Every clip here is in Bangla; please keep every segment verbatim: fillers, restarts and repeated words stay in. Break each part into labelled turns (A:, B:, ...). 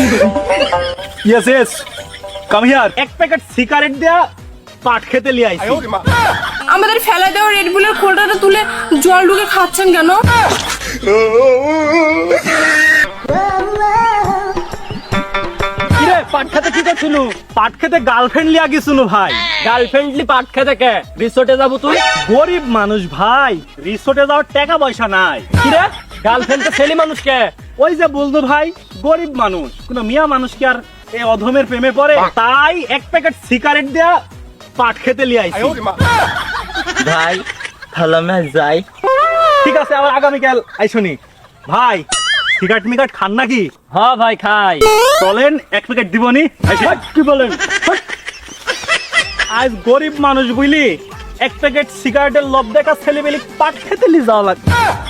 A: Yes yes come here. এক প্যাকেট সিগারেট দেয়া পাট খেতে লিয়ে আইছি।
B: আমাদের ফেলা দেওয়া রেড বুলের খোলটা তুলে জল ঢুকে খাচ্ছেন কেন?
A: কিরে পাট খেতে কি করছিল? পাট খেতে গার্লফ্রেন্ড লিয়া গেছিল ভাই।
C: গার্লফ্রেন্ডলি পাট খেতে কে? রিসোর্টে যাবো তুই?
A: গরিব মানুষ ভাই, রিসোর্টে যাওয়ার টাকা পয়সা নাই।
C: কিরে গার্লফ্রেন্ড তো ছেলে মানুষ কে?
A: ওই যে বলতো ভাই, গরিব মানুষ, কোন মিয়া মানুষ কি আর এই অধমের প্রেমে পড়ে? তাই এক প্যাকেট সিগারেট দেয়া পাট খেতে লিয়ে আইছি।
C: ভাই তাহলে আমি যাই।
A: ঠিক আছে, আবার আগামীকাল আইসনি। ভাই সিগারেট মিগারেট খান নাকি?
C: হ্যাঁ ভাই খাই।
A: চলেন এক প্যাকেট দিবনি। কি বলেন? আজ গরিব মানুষ বুঝলি, এক প্যাকেট সিগারেটের লোভ দেখা ছেলে বেলি পাট খেতে নিয়ে যাওয়া লাগবে।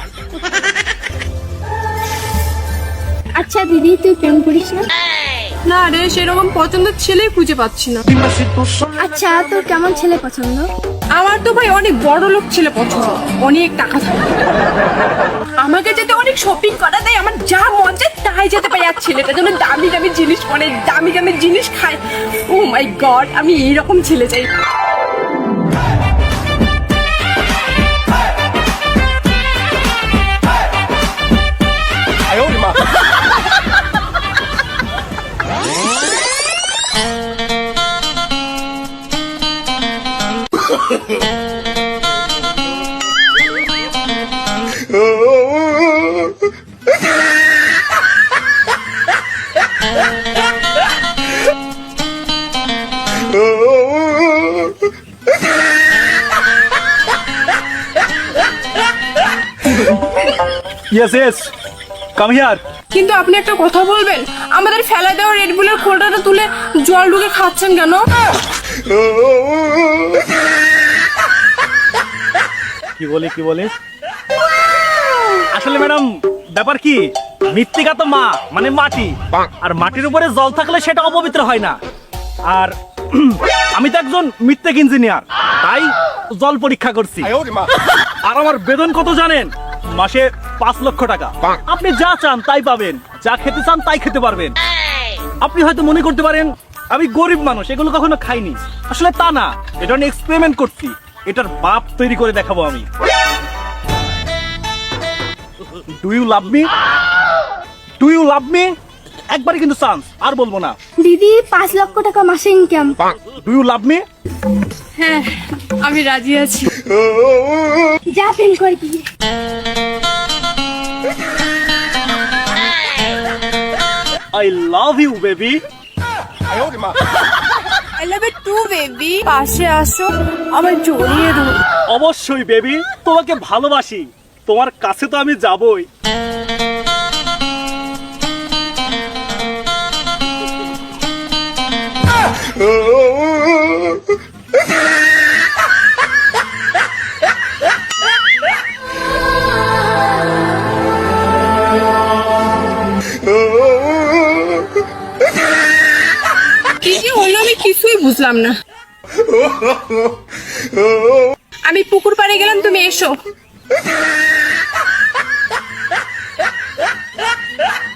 D: আচ্ছা দিদি, তুই প্রেম করিস না?
B: না রে, সেরকম পছন্দের ছেলেই খুঁজে পাচ্ছি না।
D: আচ্ছা, তোর কেমন ছেলে পছন্দ?
B: আমার তো ভাই অনেক বড় লোক ছেলে পছন্দ, অনেক টাকা থাকে। আমাকে যেতে অনেক শপিং করা দেয়, আমার যা মন চায় তাই যেতে পারি। আর ছেলেটা যেন দামি দামি জিনিস পরে, দামি দামি জিনিস খায়। ও মাই গড, আমি এইরকম ছেলে চাই।
A: Yes yes come here.
B: কিন্তু আপনি একটা কথা বলবেন, আমাদের ফেলা দেওয়া রেড বুলের খোলটা তুলে জল ঢুকে খাচ্ছেন কেন?
A: কি বলি কি বলি আসলে ম্যাডাম, ব্যাপার কি, মৃত্তিকা তো মা মানে মাটি, আর মাটির উপরে জল থাকলে সেটা অপবিত্র হয় না। আর আমি তো একজন মৃত্তিক ইঞ্জিনিয়ার, তাই জল পরীক্ষা করছি। আর আমার বেতন কত জানেন? মাসে পাঁচ লক্ষ টাকা। আপনি যা চান তাই পাবেন, যা খেতে চান তাই খেতে পারবেন। আপনি হয়তো মনে করতে পারেন আমি গরিব মানুষ, এগুলো কখনো খাইনি। আসলে তা না, এটা আমি এক্সপেরিমেন্ট করছি, এটার বাপ তৈরি করে দেখাবো আমি। Do you love me? Do you love me? একবারই কিন্তু চান্স, আর বলবো না।
D: দিদি, পাঁচ লক্ষ টাকা মাসে income.
A: Do you love me?
B: হ্যাঁ, আমি রাজি আছি।
D: যা প্রেম করবি।
A: I love you baby.
B: I love you too baby. পাশে আসো, আমার জড়িয়ে ধরো।
A: অবশ্যই বেবি, তোমাকে ভালোবাসি, তোমার কাছে তো আমি যাবই।
B: কি কি হলো আমি কিছুই বুঝলাম না। আমি পুকুর পাড়ে গেলাম, তুমি এসো।